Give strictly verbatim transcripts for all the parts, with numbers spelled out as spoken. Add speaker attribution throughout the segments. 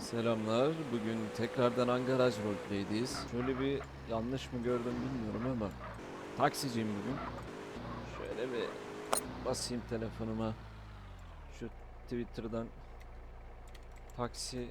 Speaker 1: Selamlar. Bugün tekrardan Angaraj Roleplay'deyiz. Şöyle bir yanlış mı gördüm bilmiyorum ama taksiciyim bugün. Şöyle bir basayım telefonuma. Şu Twitter'dan taksi...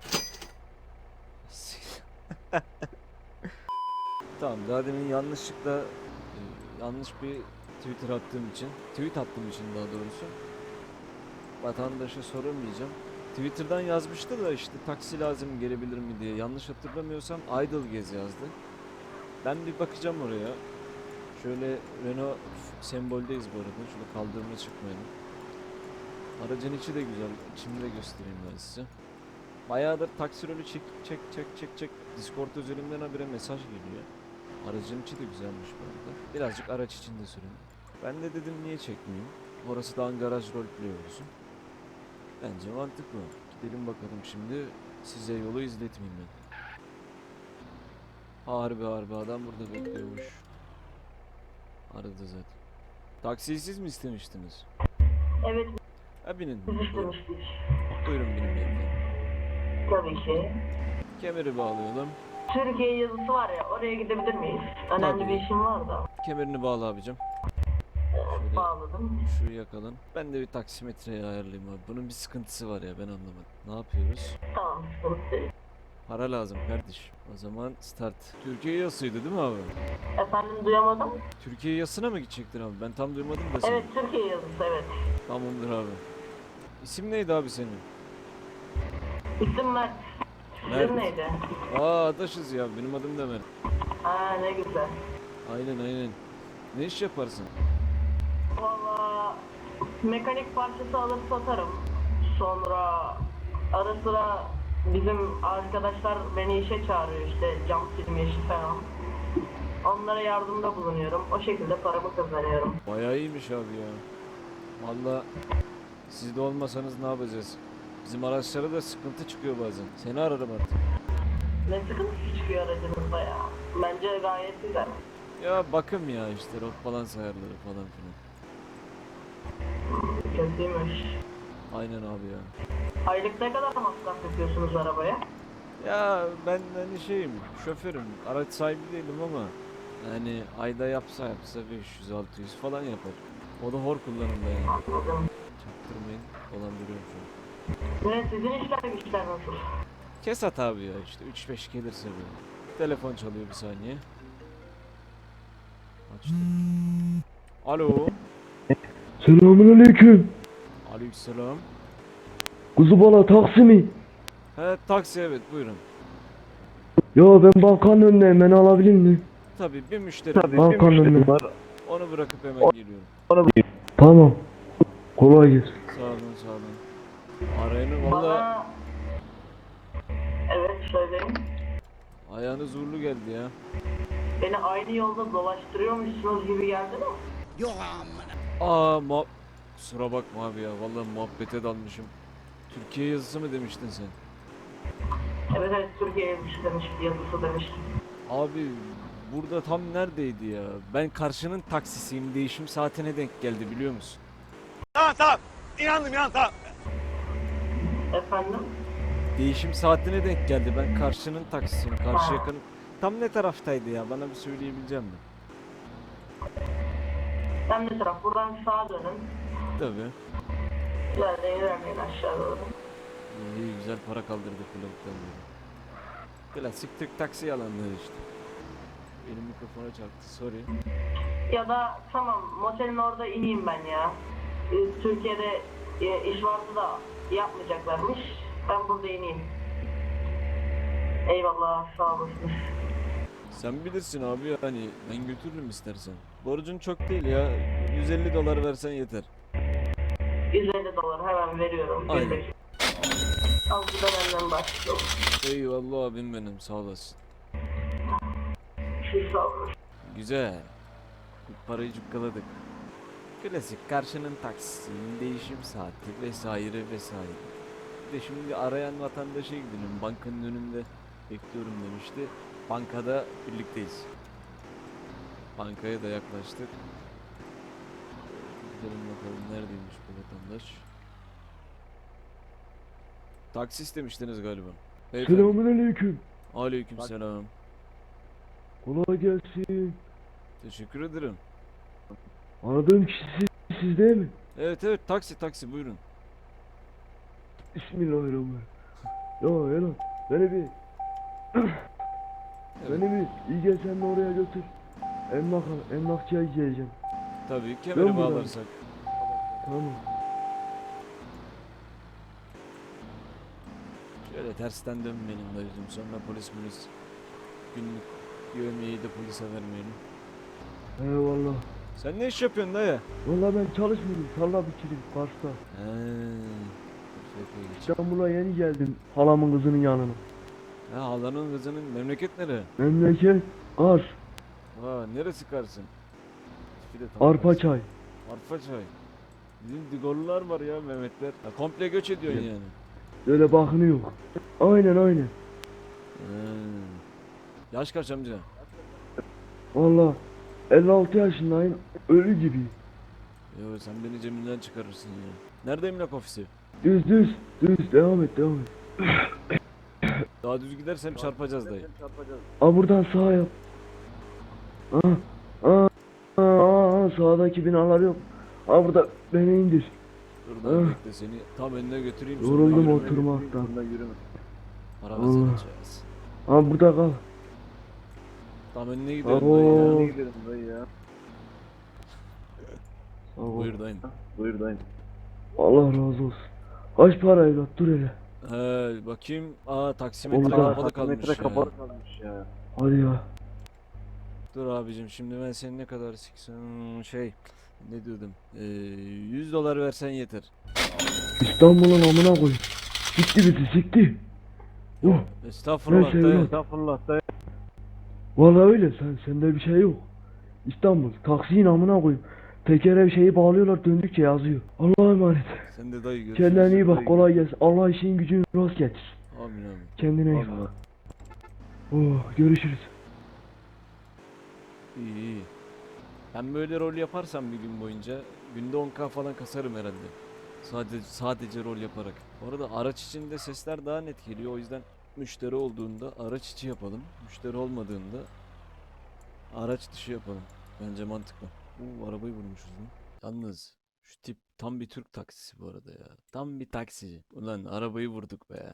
Speaker 1: Tamam, daha demin yanlışlıkla e, yanlış bir Twitter attığım için, tweet attığım için daha doğrusu vatandaşa soramayacağım. Twitter'dan yazmıştı da işte taksi lazım gelebilir mi diye. Yanlış hatırlamıyorsam Idle Gez yazdı. Ben bir bakacağım oraya. Şöyle Renault semboldeyiz bu arada. Şöyle kaldırıma çıkmayalım. Aracın içi de güzel. İçini de göstereyim ben size. Bayağıdır taksi rolü çek çek çek çek çek. Discord üzerinden habire mesaj geliyor. Aracın içi de güzelmiş bu arada. Birazcık araç içinde sürün. Ben de dedim niye çekmeyeyim. Orası da garaj roleplay olsun. Bence mantıklı. Gidelim bakalım şimdi. Size yolu izletmeyeyim ben. Harbi harbi adam burada bekliyormuş. Aradı zaten. Taksiyi siz mi istemiştiniz?
Speaker 2: Evet,
Speaker 1: Ha binin.
Speaker 2: biz
Speaker 1: Buyurun,
Speaker 2: istemiştik.
Speaker 1: buyurun binin beyefendi.
Speaker 2: Tabii ki.
Speaker 1: Kemeri bağlayalım.
Speaker 2: Türkiye yazısı var ya, oraya gidebilir miyiz? Önemli
Speaker 1: Tabii.
Speaker 2: bir işim var da.
Speaker 1: Kemerini bağla abicim.
Speaker 2: Evet,
Speaker 1: Şöyle
Speaker 2: bağladım.
Speaker 1: şu yakalım. Ben de bir taksimetreyi ayarlayayım abi. Bunun bir sıkıntısı var ya, ben anlamadım. Ne yapıyoruz?
Speaker 2: Tamam, sıkıntı değil.
Speaker 1: Para lazım kardeş. O zaman start. Türkiye yasıydı değil mi abi?
Speaker 2: Efendim, duyamadım.
Speaker 1: Türkiye yasına mı gidecektin abi? Ben tam duymadım da seni.
Speaker 2: Evet, Türkiye yazısı, evet.
Speaker 1: Tamamdır abi. İsim neydi abi senin?
Speaker 2: İsim Mert.
Speaker 1: Mert.
Speaker 2: İsim neydi?
Speaker 1: Aa adaşız ya, benim adım da Mert.
Speaker 2: Aa, ne güzel.
Speaker 1: Aynen aynen. Ne iş yaparsın?
Speaker 2: Valla mekanik parçası alıp satarım. Sonra ara sıra bizim arkadaşlar beni işe çağırıyor, işte cam silme işi falan. Onlara yardımda bulunuyorum. O şekilde paramı kazanıyorum.
Speaker 1: Bayağı iyiymiş abi ya. Valla siz de olmasanız ne yapacağız? Bizim araçlara da sıkıntı çıkıyor bazen. Seni ararım artık.
Speaker 2: Ne sıkıntısı çıkıyor aracınızda ya? Bence gayet güzel.
Speaker 1: Ya bakım ya işte rot balans ayarları falan filan.
Speaker 2: Kötüymüş.
Speaker 1: Aynen abi ya.
Speaker 2: Aylık ne kadar masraf yapıyorsunuz arabaya?
Speaker 1: Ya ben hani şeyim, şoförüm, araç sahibi değilim ama yani ayda yapsa yapsa beş yüz altı yüz falan yapar. O da hor kullanımda yani.
Speaker 2: Anladım.
Speaker 1: Çaktırmayın, dolandırıyorum şu an.
Speaker 2: Ne sizin işler güçler nasıl?
Speaker 1: Kesat abi ya işte üç beş gelirse böyle. Telefon çalıyor, bir saniye. Açtım. Alo.
Speaker 3: Selamünaleyküm.
Speaker 1: Aleykümselam.
Speaker 3: Kuzubala taksi mi?
Speaker 1: He taksi, evet buyurun.
Speaker 3: Ya ben bankanın önündeyim, beni alabilir mi?
Speaker 1: Tabii bir müşteri. Tabii
Speaker 3: Bankanın önünde.
Speaker 1: Onu bırakıp hemen geliyorum.
Speaker 3: Tamam. Kolay gelsin.
Speaker 1: Sağ olun sağ olun. Arayanı valla
Speaker 2: Bana... Evet, söyleyin.
Speaker 1: ayağınız uğurlu geldi ya.
Speaker 2: Beni aynı yolda dolaştırıyormuşsunuz gibi geldi mi?
Speaker 1: Aa ma kusura bakma abi ya, vallahi muhabbete dalmışım. Türkiye yazısı mı demiştin sen?
Speaker 2: Evet evet, Türkiye yazısı demişti, yazısı demişti.
Speaker 1: Abi burada tam neredeydi ya? Ben karşının taksisiyim, değişim saatine denk geldi biliyor musun?
Speaker 4: Tamam tamam. İnandım inandım tamam.
Speaker 2: Efendim?
Speaker 1: Değişim saatine denk geldi, ben karşının taksisiyim, karşı yakın. Tam ne taraftaydı ya, bana bir söyleyebilecek misin?
Speaker 2: Ben ne taraf? Buradan sağa dönün.
Speaker 1: Tabii.
Speaker 2: İlerleyin ilerleyin aşağı doğru.
Speaker 1: İyi güzel para kaldırdık bu lavuktan beri. Klasik Türk taksi yalanları işte. Benim mikrofona çarptı, sorry.
Speaker 2: Ya da tamam, motelin orada ineyim ben ya. Ee, Türkiye'de e, iş vardı da yapmayacaklarmış. Ben burada ineyim. Eyvallah, sağ olasın.
Speaker 1: Sen bilirsin abi, yani ben götürürüm istersen. Borcun çok değil ya, yüz elli dolar versen yeter.
Speaker 2: yüz elli dolar hemen veriyorum.
Speaker 1: Aynen.
Speaker 2: Bir dakika. Al, bu da benden başlıyor.
Speaker 1: Eyvallah abim benim, sağ olasın.
Speaker 2: Siz sağ olun.
Speaker 1: Güzel. İlk parayı cukkaladık. Klasik karşının taksisinin değişim saati vesaire vesaire. Bir de şimdi arayan vatandaşa gidelim. Bankanın önünde bekliyorum demişti. Bankada birlikteyiz. Bankaya da yaklaştık. Gidelim bakalım neredeymiş bu vatandaş. Taksi istemiştiniz galiba. Beyefendi.
Speaker 3: Selamünaleyküm.
Speaker 1: Aleykümselam.
Speaker 3: Kolay gelsin.
Speaker 1: Teşekkür ederim.
Speaker 3: Aradığım kişi siz, siz değil mi?
Speaker 1: Evet evet taksi taksi buyurun.
Speaker 3: Bismillahirrahmanirrahim. Ya Elan beni bir beni bir iyi gel sen de oraya götür. Emlak emlakçıya gideceğim.
Speaker 1: Tabii kemeri
Speaker 3: Ben buradan-
Speaker 1: bağlarsak.
Speaker 3: Tamam.
Speaker 1: Şöyle tersten dönmeyelim dayıcım, sonra polis polis günlük yövmeyi de polise vermeyelim.
Speaker 3: Eyvallah.
Speaker 1: Sen ne iş yapıyorsun dayı?
Speaker 3: Vallahi ben çalışmıyorum. Tarla bitirdim Kars'ta.
Speaker 1: Heee. Geç.
Speaker 3: İstanbul'a yeni geldim. Halamın kızının yanına.
Speaker 1: Ha halanın kızının memleket nere?
Speaker 3: Memleket Kars.
Speaker 1: Ha neresi Kars'ın? Tipi de tam
Speaker 3: Arpa
Speaker 1: Kars.
Speaker 3: çay.
Speaker 1: Arpa çay. Bizim Digorlular var ya Mehmetler. Ha, komple göç ediyorsun yani.
Speaker 3: Öyle bakınıyor. Aynen aynen.
Speaker 1: Hmm. Yaş kaç amca?
Speaker 3: Vallahi elli altı yaşındayım. Ölü gibi.
Speaker 1: Yo sen beni cebimden çıkarırsın ya. Nerede emlak ofisi?
Speaker 3: Düz düz. Düz devam et devam et.
Speaker 1: Daha düz gidersem çarpacağız dayı.
Speaker 3: Aa buradan sağa yap. Aa, aa, aa, aa, sağdaki binalar yok. Aa burada beni indir.
Speaker 1: Dur dayı
Speaker 3: Ah.
Speaker 1: bekle seni tam önüne götüreyim. sonra
Speaker 3: Yoruldum
Speaker 1: yürüme.
Speaker 3: oturmaktan.
Speaker 1: Para
Speaker 3: Allah.
Speaker 1: kazanacağız.
Speaker 3: Aa burada kal.
Speaker 1: Tam önüne gidelim
Speaker 3: Abo.
Speaker 1: dayı ya.
Speaker 3: Sağ ol.
Speaker 1: Buyur dayım.
Speaker 3: Allah razı olsun. Kaç para evlat dur hele.
Speaker 1: He bakayım. Aa taksimetre
Speaker 3: Orada.
Speaker 1: kapalı kalmış ya.
Speaker 3: Hadi ya.
Speaker 1: Dur abicim şimdi ben senin ne kadar siksen şey ne diyordum ee, yüz dolar versen yeter.
Speaker 3: İstanbul'un amına koy. Sikti bizi sikti. Oh.
Speaker 1: Estağfurullah
Speaker 3: Neyse
Speaker 1: dayı.
Speaker 3: evlat.
Speaker 1: Estağfurullah dayı.
Speaker 3: Vallahi öyle sen sende bir şey yok. İstanbul taksiyin amına koyayım. Tekere bir şeyi bağlıyorlar döndükçe yazıyor. Allah'a emanet.
Speaker 1: Sen de dayı görüşürüz.
Speaker 3: Kendine iyi bak kolay gelsin. Allah işin gücün rast getir.
Speaker 1: Amin amin.
Speaker 3: Kendine iyi bak. Oh görüşürüz.
Speaker 1: İyi iyi. Ben böyle rol yaparsam bir gün boyunca günde on ka falan kasarım herhalde. Sadece sadece rol yaparak. Bu arada araç içinde sesler daha net geliyor. O yüzden müşteri olduğunda araç içi yapalım. Müşteri olmadığında araç dışı yapalım. Bence mantıklı. Uuu arabayı vurmuşuz lan. Yalnız şu tip tam bir Türk taksisi bu arada ya. Tam bir taksici. Ulan arabayı vurduk be ya.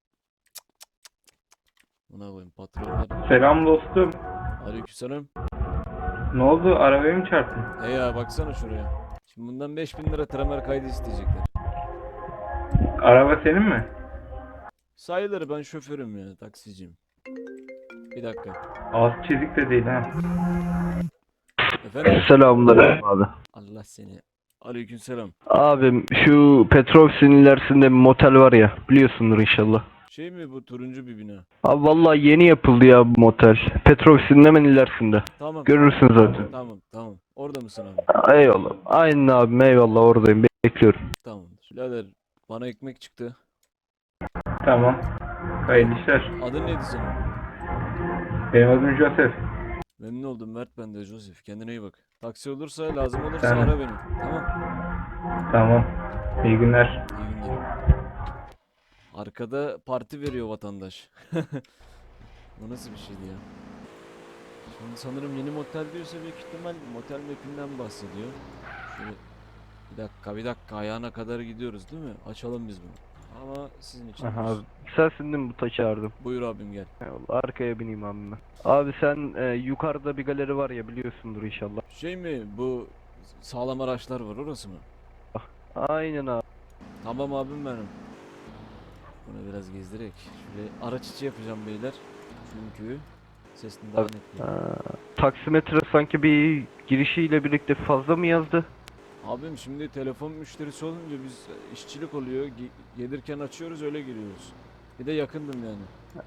Speaker 1: Buna koyayım patronlar.
Speaker 5: Selam dostum.
Speaker 1: Aleykümselam.
Speaker 5: Ne oldu? Arabaya mı çarptın?
Speaker 1: He ya baksana şuraya. Şimdi bundan beş bin lira tramer kaydı isteyecekler.
Speaker 5: Araba senin mi?
Speaker 1: Sayılır ben şoförüm ya taksiciyim. Bir dakika.
Speaker 5: Az çizik de değil ha.
Speaker 1: Efendim?
Speaker 6: Selamünaleyküm abi.
Speaker 1: Allah seni. Aleykümselam.
Speaker 6: Abim şu Petroksin ilerisinde bir motel var ya biliyorsundur inşallah.
Speaker 1: Şey mi bu turuncu bir bina?
Speaker 6: Abi vallahi yeni yapıldı ya bu motel. Petroksin'in hemen ilerisinde.
Speaker 1: Tamam.
Speaker 6: Görürsün zaten.
Speaker 1: Tamam tamam. Orada mısın abi?
Speaker 6: Eyvallah. Aynen abim eyvallah oradayım bekliyorum.
Speaker 1: Tamamdır. Birader bana ekmek çıktı.
Speaker 5: Tamam. Hayırlı işler.
Speaker 1: Adın neydi senin?
Speaker 5: Benim adım Joseph.
Speaker 1: Memnun oldum Mert, ben de Joseph. Kendine iyi bak. Taksi olursa lazım olursa
Speaker 5: Tamam.
Speaker 1: ara beni. Tamam.
Speaker 5: Tamam. İyi günler.
Speaker 1: İyi günler. Arkada parti veriyor vatandaş. Bu nasıl bir şeydi ya? Şimdi sanırım yeni motel diyorsa büyük ihtimal motel map'inden bahsediyor. Şöyle bir dakika bir dakika ayağına kadar gidiyoruz değil mi? Açalım biz bunu. Ama sizin için.
Speaker 6: Aha,
Speaker 1: olsun.
Speaker 6: abi. Sensin değil mi bu taşı çağırdım?
Speaker 1: Buyur abim gel.
Speaker 6: Eyvallah arkaya bineyim abim ben. Abi sen e, yukarıda bir galeri var ya biliyorsundur inşallah.
Speaker 1: Şey mi bu sağlam araçlar var orası mı?
Speaker 6: Aynen abi.
Speaker 1: Tamam abim benim. Bunu biraz gezdirek. Şöyle araç içi yapacağım beyler. Çünkü sesini daha
Speaker 6: Abi,
Speaker 1: net geliyor.
Speaker 6: Aa, taksimetre sanki bir girişiyle birlikte fazla mı yazdı?
Speaker 1: Abim şimdi telefon müşterisi olunca biz işçilik oluyor. Ge- gelirken açıyoruz öyle giriyoruz. Bir de yakındım yani.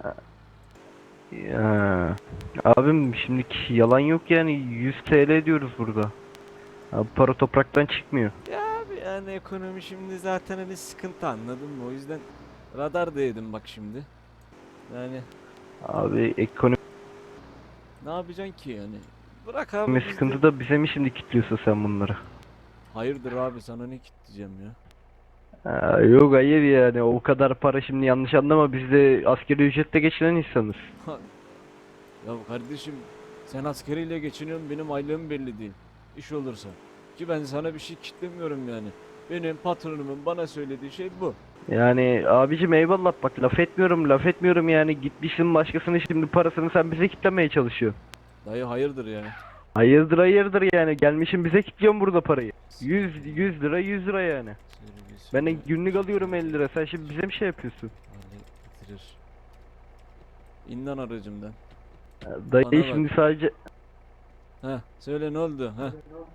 Speaker 6: Ya. Abim şimdiki yalan yok yani yüz T L diyoruz burada. Abi para topraktan çıkmıyor.
Speaker 1: Ya abi yani ekonomi şimdi zaten hani sıkıntı anladın mı? O yüzden radar da yedim bak şimdi. Yani
Speaker 6: Abi ekonomi
Speaker 1: ne yapacaksın ki yani? Bırak abi biz de-
Speaker 6: sıkıntı da bize mi şimdi kilitliyorsun sen bunları?
Speaker 1: Hayırdır abi sana ne kitleyeceğim ya?
Speaker 6: Ha, yok hayır yani o kadar para şimdi yanlış anlama biz de asgari ücretle geçinen insanız.
Speaker 1: Ya kardeşim sen askeriyle geçiniyorsun, benim aylığım belli değil. İş olursa. Ki ben sana bir şey kitlemiyorum yani. Benim patronumun bana söylediği şey bu.
Speaker 6: Yani abicim eyvallah bak laf etmiyorum laf etmiyorum yani gitmişsin başkasının şimdi parasını sen bize kitlemeye çalışıyorsun.
Speaker 1: Dayı hayırdır yani.
Speaker 6: Hayırdır hayırdır yani gelmişim bize kilitliyorsun burada parayı. yüz yüz lira yüz lira yani. Ben de günlük alıyorum elli lira sen şimdi bize bir şey yapıyorsun.
Speaker 1: Hale getirir. İn lan aracımdan.
Speaker 6: Dayı
Speaker 1: Bana bak.
Speaker 6: şimdi sadece
Speaker 1: Ha söyle ne oldu? Ha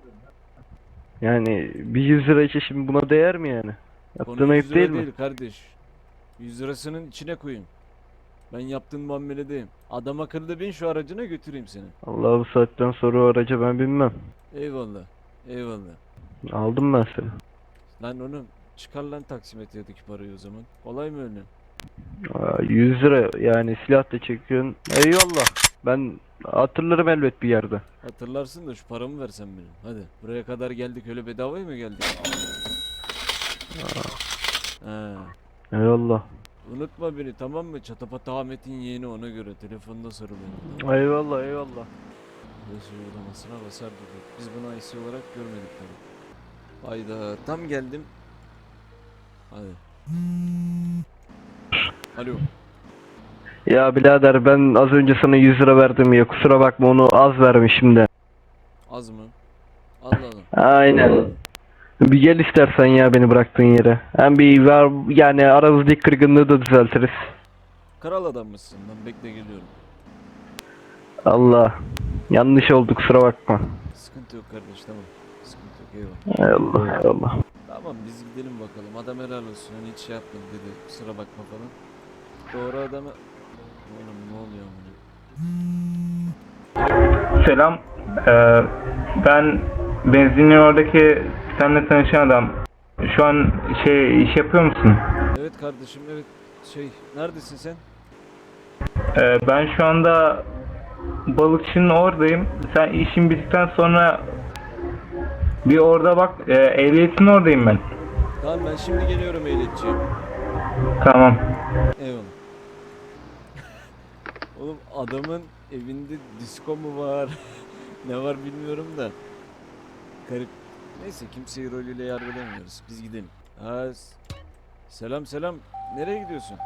Speaker 6: yani bir yüz lira için şimdi buna değer mi yani? Yaptığın
Speaker 1: konu
Speaker 6: ayıp
Speaker 1: yüz lira
Speaker 6: değil
Speaker 1: değil
Speaker 6: mi?
Speaker 1: kardeş. yüz lirasının içine koyun. Ben yaptığın muameledeyim. Adam akıllı bin şu aracına götüreyim seni.
Speaker 6: Allah bu saatten sonra o araca ben binmem.
Speaker 1: Eyvallah. Eyvallah.
Speaker 6: Aldım ben seni.
Speaker 1: Lan oğlum çıkar lan taksimetredeki parayı o zaman. Kolay mı öyle?
Speaker 6: Aa, yüz lira yani silah da çekiyorsun. Eyvallah. Ben hatırlarım elbet bir yerde.
Speaker 1: Hatırlarsın da şu paramı versen benim. Hadi buraya kadar geldik öyle bedavaya mı geldik? Ha.
Speaker 6: Eyvallah.
Speaker 1: Unutma beni tamam mı? Çatapat Ahmet'in yeğeni ona göre. Telefonda sarı beni.
Speaker 6: Eyvallah eyvallah.
Speaker 1: Neyse uygulamasına basar dedik. Biz bunu I C olarak görmedik tabii. Hayda tam geldim. Hadi. Alo.
Speaker 6: Ya birader ben az önce sana yüz lira verdim ya kusura bakma onu az vermişim de.
Speaker 1: Az mı? Allah Allah.
Speaker 6: Aynen. Bir gel istersen ya beni bıraktığın yere. Hem bir var yani aramızdaki kırgınlığı da düzeltiriz.
Speaker 1: Kral adam mısın lan? Bekle geliyorum.
Speaker 6: Allah. Yanlış oldu kusura bakma.
Speaker 1: Sıkıntı yok kardeş tamam. Sıkıntı yok eyvallah.
Speaker 6: Eyvallah eyvallah.
Speaker 1: Tamam biz gidelim bakalım. Adam helal olsun. Hani hiç şey yapmadı dedi. Kusura bakma falan. Doğru adamı... Oğlum ne oluyor amına?
Speaker 5: Selam. Ee, ben benzinliğin oradaki seninle tanışan adam. Şu an şey iş yapıyor musun?
Speaker 1: Evet kardeşim evet. Şey neredesin sen?
Speaker 5: Ee, ben şu anda balıkçının oradayım. Sen işin bittikten sonra bir orada bak. E, ehliyetin oradayım ben.
Speaker 1: Tamam ben şimdi geliyorum ehliyetçiye.
Speaker 5: Tamam.
Speaker 1: Eyvallah. Oğlum adamın evinde disco mu var? Ne var bilmiyorum da. Garip. Neyse kimseyi rolüyle yargılamıyoruz. Biz gidelim. Ha, s- selam selam. Nereye gidiyorsun?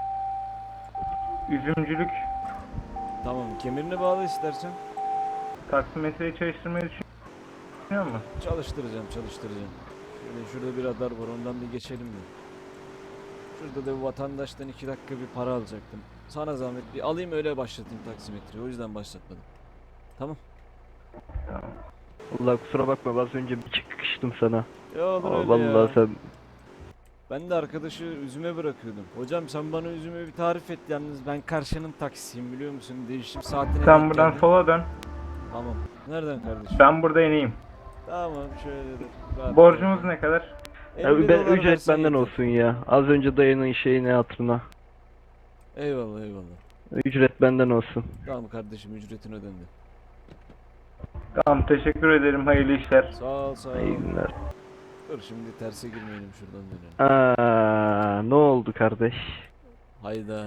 Speaker 5: Üzümcülük.
Speaker 1: Tamam kemerine bağla istersen.
Speaker 5: Taksimetreyi çalıştırmayı düşünüyor musun?
Speaker 1: Çalıştıracağım çalıştıracağım. Şöyle şurada bir radar var ondan bir geçelim mi? Şurada da bir vatandaştan iki dakika bir para alacaktım. Sana zahmet bir alayım öyle başlatayım taksimetreyi. O yüzden başlatmadım. Tamam.
Speaker 6: Allah kusura bakma az önce bir çıkıştım sana.
Speaker 1: Ya olur
Speaker 6: Aa,
Speaker 1: öyle
Speaker 6: vallahi
Speaker 1: ya.
Speaker 6: sen
Speaker 1: Ben de arkadaşı üzüme bırakıyordum. Hocam sen bana üzüme bir tarif et yalnız ben karşının taksisiyim biliyor musun? Değişim saatine
Speaker 5: Sen
Speaker 1: denk
Speaker 5: buradan
Speaker 1: geldim.
Speaker 5: sola dön.
Speaker 1: Tamam. Nereden kardeşim?
Speaker 5: Ben burada ineyim.
Speaker 1: Tamam şöyle de. rahat
Speaker 5: Borcumuz
Speaker 1: rahat.
Speaker 5: ne kadar?
Speaker 6: ya,
Speaker 1: elli
Speaker 6: ben,
Speaker 1: dolar
Speaker 6: ücret
Speaker 1: versen
Speaker 6: benden
Speaker 1: yeter.
Speaker 6: olsun ya. Az önce dayının şeyine hatırına.
Speaker 1: Eyvallah eyvallah.
Speaker 6: Ücret benden olsun.
Speaker 1: Tamam kardeşim ücretin ödendi.
Speaker 5: Tamam teşekkür ederim. Hayırlı işler.
Speaker 1: Sağ ol sağ ol.
Speaker 6: İyi günler.
Speaker 1: Dur şimdi terse girmeyelim şuradan dönelim.
Speaker 6: Aa, ne oldu kardeş?
Speaker 1: Hayda.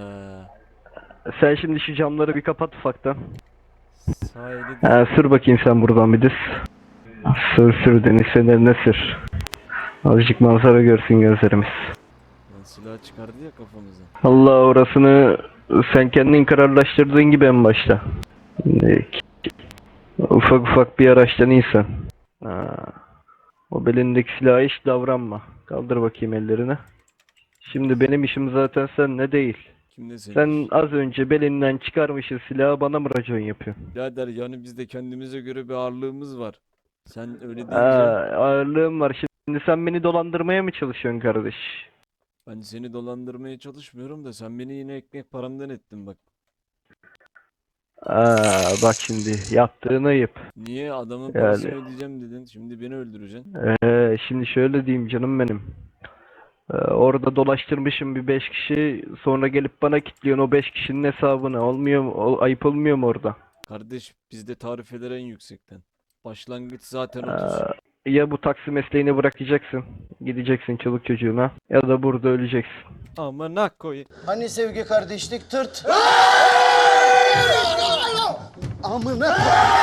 Speaker 6: Sen şimdi şu camları bir kapat ufaktan.
Speaker 1: Sahili de
Speaker 6: Ha, sür bakayım sen buradan bir düz. Sür sür deniz fenerine sür. Azıcık manzara görsün gözlerimiz.
Speaker 1: lan silah çıkardı ya kafamıza.
Speaker 6: Allah orasını sen kendin kararlaştırdığın gibi en başta. Şimdi ufak ufak bir araçtan insan. Ha, o belindeki silaha hiç davranma. Kaldır bakayım ellerini. Şimdi benim işim zaten sen ne değil.
Speaker 1: Kimde senin?
Speaker 6: Sen az önce belinden çıkarmışsın silahı bana mı racon yapıyorsun?
Speaker 1: Birader yani bizde kendimize göre bir ağırlığımız var. Sen öyle deyince
Speaker 6: Aa, ağırlığım var. Şimdi sen beni dolandırmaya mı çalışıyorsun kardeş?
Speaker 1: ben seni dolandırmaya çalışmıyorum da sen beni yine ekmek paramdan ettin bak.
Speaker 6: Aa, bak şimdi yaptığın ayıp.
Speaker 1: Niye adamın
Speaker 6: Yani.
Speaker 1: parasını ödeyeceğim dedin şimdi beni öldüreceksin.
Speaker 6: Ee, şimdi şöyle diyeyim canım benim. Ee, orada dolaştırmışım bir beş kişi sonra gelip bana kilitliyorsun o beş kişinin hesabını. Olmuyor mu? Ol- ayıp olmuyor mu orada?
Speaker 1: Kardeş bizde tarifeler en yüksekten. Başlangıç zaten
Speaker 6: Aa,
Speaker 1: otuz.
Speaker 6: ya bu taksi mesleğini bırakacaksın, gideceksin çoluk çocuğuna ya da burada öleceksin.
Speaker 1: Amına koyayım.
Speaker 7: Hani sevgi kardeşlik tırt. Amına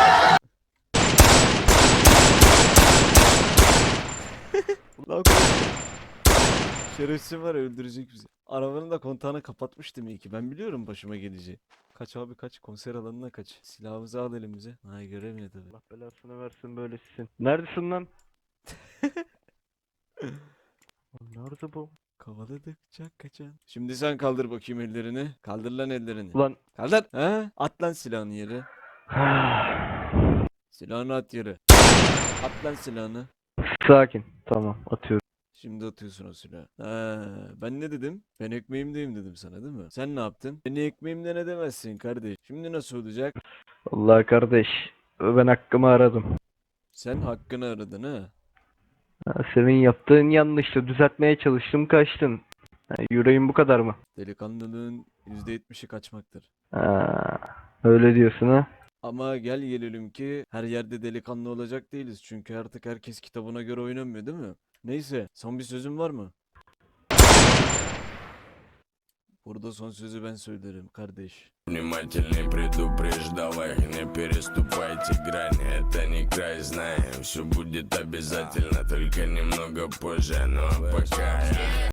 Speaker 1: Ulan şerefsiz var ya, öldürecek bizi. Arabanın da kontağını kapatmıştım iyi ki. Ben biliyorum başıma geleceği. Kaç abi kaç, konser alanına kaç. Silahımızı al elimize. Ay göremiyor tabii.
Speaker 6: Allah belasını versin böylesisin. Neredesin lan? Nerede bu?
Speaker 1: Kovaladıkça kaçan. Şimdi sen kaldır bakayım ellerini. Kaldır lan ellerini.
Speaker 6: Ulan.
Speaker 1: Kaldır. He? At lan silahını yere. Silahını at yere. At lan silahını.
Speaker 6: Sakin. Tamam, atıyorum.
Speaker 1: Şimdi atıyorsun o silahı. Ha, ben ne dedim? Ben ekmeğimdeyim dedim sana değil mi? Sen ne yaptın? Beni ekmeğimde ne demezsin kardeş. Şimdi nasıl olacak?
Speaker 6: Allah kardeş, ben hakkımı aradım.
Speaker 1: Sen hakkını aradın ha.
Speaker 6: Ha, senin yaptığın yanlıştı. Düzeltmeye çalıştım, kaçtın. Ha, yüreğin bu kadar mı?
Speaker 1: Delikanlılığın yüzde yetmişi kaçmaktır.
Speaker 6: Ha, öyle diyorsun ha?
Speaker 1: Ama gel gelelim ki her yerde delikanlı olacak değiliz. Çünkü artık herkes kitabına göre oynamıyor değil mi? Neyse, son bir sözün var mı? Burada son sözü ben söylerim kardeş.
Speaker 8: Внимательный предупреждавай, не переступайте грани, это не край, знаем, все будет обязательно, только немного позже, но пока.